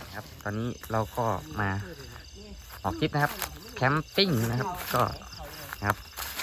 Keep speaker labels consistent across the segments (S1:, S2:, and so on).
S1: ครับตอนนี้เราก็มาออกทริปนะครับแคมปิ้งนะครับก็นะครับ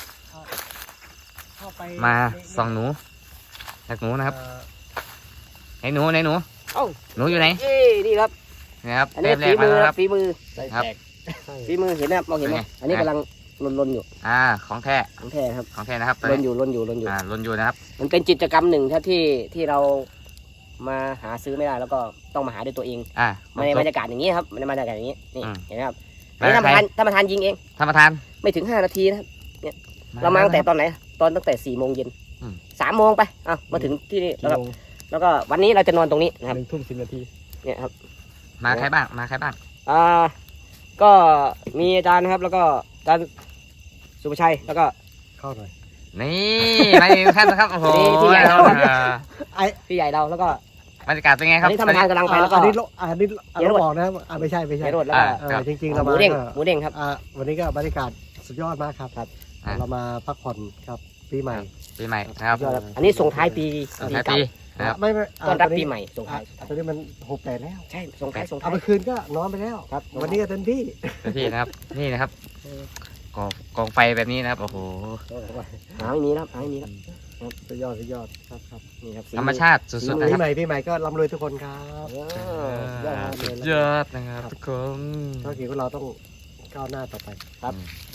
S1: มาส่องหนูแหกหนูนะครับไหนหนูไหนหนูหนูอยู่ไหน
S2: นี่ครับ
S1: นะครับ
S2: อันนี้ฝีมือครับฝีมือ
S1: ครับ
S2: ฝีมือเห็นไหมมองเห็นไหมอันนี้กำลังลนอยู่
S1: ของแท้
S2: ครับ
S1: ของแท้นะครับ
S2: ลนอยู่
S1: ลนอยู่นะครับ
S2: มันเป็นกิจกรรมหนึ่งที่เรามาหาซื้อไม่ได้แล้วก็ต้องมาหาด้วยตัวเองในบรรยากาศอย่างนี้ครับในบรรยากาศอย่างนี้นี่เห็นไหมครับนี่ท่านประธานยิงเอง
S1: ท่านประธาน
S2: ไม่ถึง5 นาทีนะครับเนี่ยเรามาตั้งแต่ตอนไหนตั้งแต่4 โมงเย็น3 โมงไปมาถึงที่นี่แล้วก็วันนี้เราจะนอนตรงนี้นะครับ
S3: 1 ทุ่ม 10 นาที
S2: เนี่ยครับ
S1: มาใครบ้าง
S2: ก็มีอาจารย์นะครับแล้วก็อาจารย์สุภชัยแล้วก็
S3: เข้าหน่อย
S1: นี่มาอีกท่านนะครับโอ้โห
S2: พี่ใหญ่เราแล้วก็
S1: บรรยากาศเป็นไงครับ
S2: ท่านประธานกำลังไปแล้วก็
S3: อันนี้เราบอกนะครับไม่ใช่
S2: รถแล้วก็
S3: จริงๆเรามา
S2: หมูเด้งครับ
S3: วันนี้ก็บรรยากาศสุดยอดมากครับเรามาพักผ่อนครับปีใหม่
S1: นะครับ
S2: อันนี้ส่งท้ายปีเก่า
S3: ไม่
S2: ต้อนรับปีใหม่ส่งท้าย
S3: ตอนนี้มัน68แล้ว
S2: ใช่ส่งท้าย
S3: เอาไปคืนก็นอนไปแล้ว
S2: ครับ
S3: วันนี้ก็เต็มที่
S1: นะครับนี่นะครับกองไฟแบบนี้นะครับโอ้โห
S2: หาไม่มีครับ
S3: สุดยอดครับ
S2: นี่ครับ
S1: ธรรมชาติสุดๆ
S3: นะครับปีใหม่ก็ร่ำรวยทุกคนครับ
S1: ยอดนะครับทุกคน
S3: ธุรกิจของเราต้องก้าวหน้าต่อไป
S2: ครับ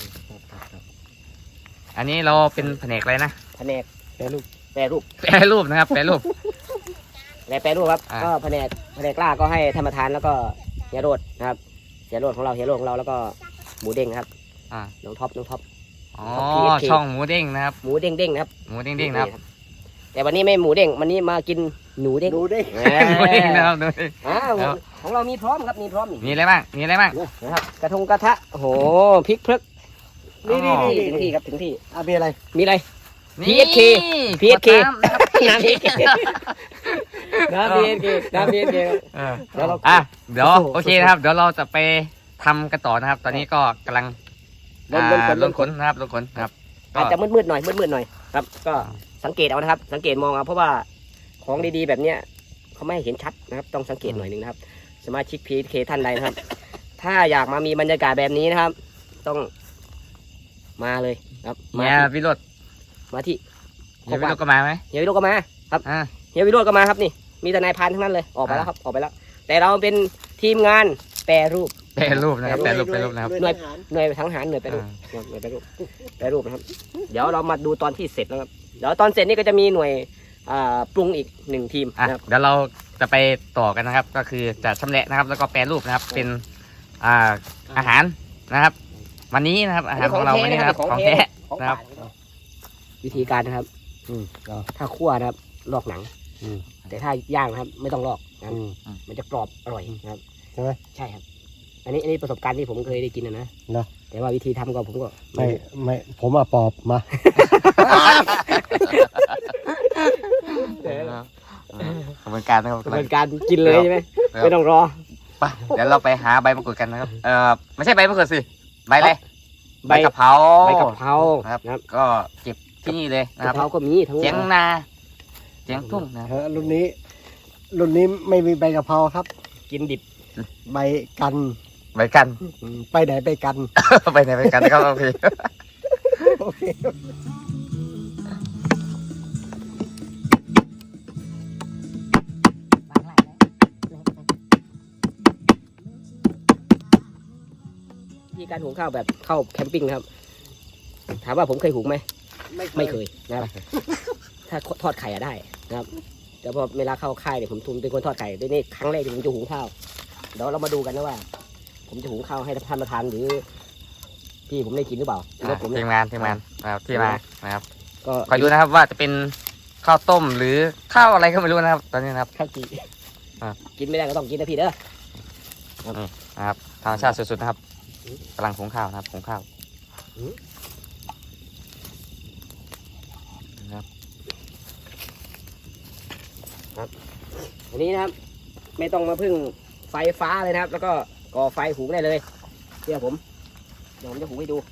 S1: อันนี้เราเป็นแผนกอะไรนะ
S2: แผนกแปรรูป
S1: นะครับแปรรูป
S2: ครับก็แผนกล่าก็ให้ธรรมทานแล้วก็เฮียโรดนะครับเฮียโรดของเราแล้วก็หมูเด้งครับน้องท็อป
S1: อ๋อช่องหมูเด้งนะครับ
S2: หมูเด้งนะครับ
S1: หมูเด้งนะครับ
S2: แต่วันนี้ไม่หมูเด้งวันนี้มากินหนูเด้ง
S1: นะครับ
S2: ของเรามีพร้อมครับมีพร้อม
S1: มีอะไรบ้าง
S2: นะครับกระทงกระทะโอ้โหพริกพลึกนี่ถึงที่ครับถึงที่
S3: มีอะไร
S2: PSK น้ำ PSK เ
S1: ดี๋ยวโอเคนะครับเดี๋ยวเราจะไปทำกันต่อนะครับตอนนี้ก็กำลังลนขนนะครับ
S2: อาจจะมืดหน่อยครับก็สังเกตเอานะครับสังเกตมองเอาเพราะว่าของดีๆแบบเนี้ยเขาไม่เห็นชัดนะครับต้องสังเกตหน่อยนึงนะครับสมาชิก PSK ท่านใดนะครับถ้าอยากมามีบรรยากาศแบบนี้นะครับต้องมาเลยครับ
S1: วิโรจน์
S2: มาที่
S1: เฮียวิโรจน์ก็มาไหม
S2: เฮียวิโรจน์ก็มาครับเฮียวิโรจน์ก็มาครับนี่มีแต่นายพรานทั้งนั้นเลยออกไปแล้วครับแต่เราเป็นทีมงานแปรรูป
S1: นะครับแปรรูปนะครับ
S2: หน่วยทั้งหารหน่วยแปรรูปนะครับเดี๋ยวเรามาดูตอนที่เสร็จแล้วครับเดี๋ยวตอนเสร็จนี่ก็จะมีหน่วยปรุงอีก1 ทีม
S1: นะครับเดี๋ยวเราจะไปต่อกันนะครับก็คือจะชำแหละนะครับแล้วก็แปรรูปนะครับเป็นอาหารนะครับวันนี้นะครับอาหารของเราวันนี้นะครับของแท้นะครับ
S2: วิธีการนะครับถ้าคั่วนะครับลอกหนังแต่ถ้าย่างนะครับไม่ต้องลอกนะครับมันจะกรอบอร่อยนะครับ
S3: ใช่ไหม
S2: ใช่ครับอันนี้ประสบการณ์ที่ผมเคยได้กินนะแต่ว่าวิธีทำก็ผมก็
S3: ไม่ผมปอบมา
S1: กระบวนการนะครับ
S2: กระบวนการกินเลยใช่ไหมไม่ต้องรอ
S1: ไปเดี๋ยวเราไปหาใบมะกรูดกันนะครับไม่ใช่ใบมะกรูดสิใบอะไรใบกะเพราครับก็เก็บที่นี่เลยนะครับ
S2: กะเพราก็มีทั้ง
S1: เจียงนาเจียงทุ่งนะ
S3: รุ่นนี้ไม่มีใบกะเพราครับ
S2: กินดิบ
S3: ใบกันไปไหนไปกัน
S1: นะครับโอเค
S2: ที่การหุงข้าวแบบเข้าแคมปิ้งครับถามว่าผมเคยหุงไหมไม่เคยนะครับถ้าทอดไข่ได้นะครับแต่พอเวลาเข้าค่ายเนี่ยผมเป็นคนทอดไข่ด้วยนี่ครั้งแรกที่ผมจะหุงข้าวเดี๋ยวเรามาดูกันนะว่าผมจะหุงข้าวให้ท่านประธานหรือพี่ผมได้กินหรือเปล่า
S1: ทีมงานนะครับที่มานะครับก็คอยดูนะครับว่าจะเป็นข้าวต้มหรือข้าวอะไรก็ไม่รู้นะครับตอนนี้นะครับ
S2: ข้าวจีกินไม่ได้ก็ต้องกินนะพี่เด้อ
S1: นะครับธรรมชาติสุดๆนะครับกำลังหุงข้าวนะครับหุงข้าว
S2: ครับอันนี้นะครับไม่ต้องมาพึ่งไฟฟ้าเลยนะครับแล้วก็ก่อไฟหุงได้เลยเดี๋ยวผมจะหุงให้ดู